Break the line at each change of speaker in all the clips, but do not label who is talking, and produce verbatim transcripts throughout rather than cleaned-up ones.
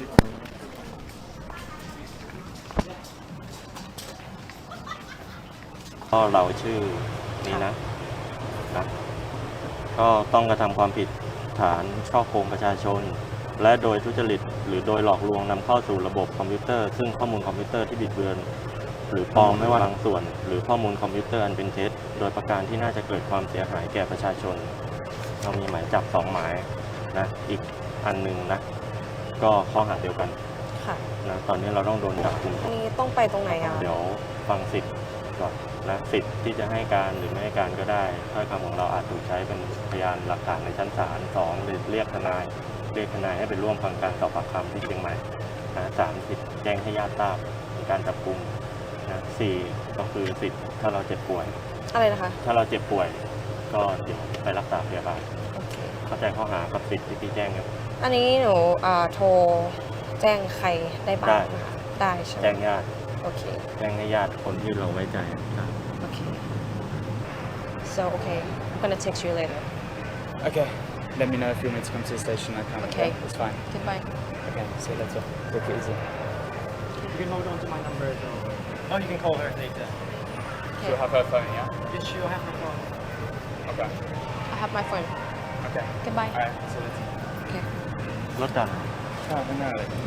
ก็เราชื่อนี้นะนะก็ต้องกระทำความผิดฐานฉ้อโกงประชาชน และโดยทุจริตหรือโดยหลอกลวงนำเข้าสู่ระบบคอมพิวเตอร์ซึ่งข้อมูลคอมพิวเตอร์ที่บิดเบือนหรือปลอมไม่ว่าบางส่วนหรือข้อมูลคอมพิวเตอร์อันเป็นเท็จโดยประการที่น่าจะเกิดความเสียหายแก่ประชาชนเรามีหมายจับสองหมายนะอีกอันหนึ่งนะก็ข้อหาเดียวกัน
ค่ะ
นะตอนนี้เราต้องโดนจับกุม
อันนี้ต้องไปตรงไหนอ่ะ
เดี๋ยวฟังสิทธิ์ก่อนนะสิทธิ์ที่จะให้การหรือไม่ให้การก็ได้ถ้อยคำของเราอาจถูกใช้เป็นพยานหลักฐานในชั้นศาลสองหรือเรียกทนายเรียกทนายให้ไปร่วมฟังการสอบปากคำที่เชียงใหม่นะสามสิทธิ์แจ้งให้ญาติทราบในการจับกุมนะสี่ก็คือสิทธิ์ถ้าเราเจ็บป่วย
อะไรนะคะ
ถ้าเราเจ็บป่วยก็เดี๋ยวไปรักษาพยาบาล
โอเค
เข้าใจข้อหากับสิทธิ์ที่พี่แจ้งครับ
อันนี้หนูอ่าโทรแจ้งใครได้บ้าง
ได้
นะคะได้ใช่ไหม
แจ้งญาติ
โอเค
แจ้งให้ญาติคนที่เราไว้ใจครับ
โอเค so okay I'm gonna text you later
Okay. Let me know if you want me to come to the station. I can.
Okay.
It's fine.
goodbye
Okay. See you later. Take it easy.
You can hold on to my number as well. Oh, you can call her later.
She'll have her phone, yeah?
Yes, she'll have her phone.
Okay.
I have my phone
Okay.
goodbye
Alright. See you later.
โอเค
รถดัน
Oh, no.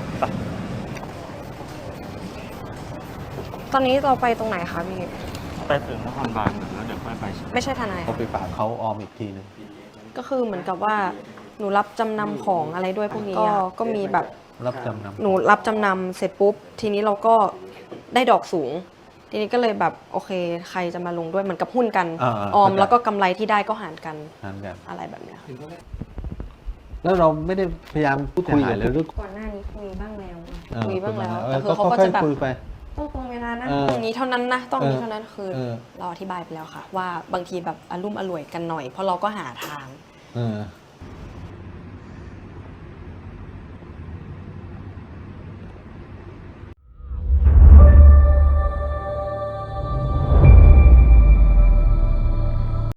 ตอนนี้เราไปตรงไหนคะพี่
ไปถึงนครบาลก่อนแล้วเดี๋ยวค่อยไป
ไม่ใช่ทนาย
เขาไปฝากเขาออมอีกทีนึง
ก็คือเหมือนกับว่าหนูรับจำนำของอะไรด้วยพวกนี้ก็ก็มีแบบ
รับจำนำ
หนูรับจำนำเสร็จปุ๊บ ทีนี้เราก็ได้ดอกสูง ทีนี้ก็เลยแบบโอเค ใครจะมาลงด้วยเหมือนกับหุ้นกัน
อ่าๆ
ออม
เข้าใจ
แล้วก็กำไรที่ได้ก็หารกัน
นั่นกัน
อะไรแบบเนี้ยค่ะ
แล้วเราไม่ได้พยายามพูดคุยเลยหรือ
ก่อนหน้านี้คุยบ้างแล้ว
เออ
คุยบ้างแล้ว
เอ
แต่
อ
คือเขาก็
ค่อ
จะ
ย
แบบ
ๆคุยไป
ต้องตรงเวลานะ
เออ
ตรงนี้เท่านั้นนะต้องนี้
เออ
เท่านั้นคือ
เออ
เราอธิบายไปแล้วค่ะ ว่าบางทีแบบอารมุ่มอร่วยกันหน่อย เพราะเราก็หาทาง
เออ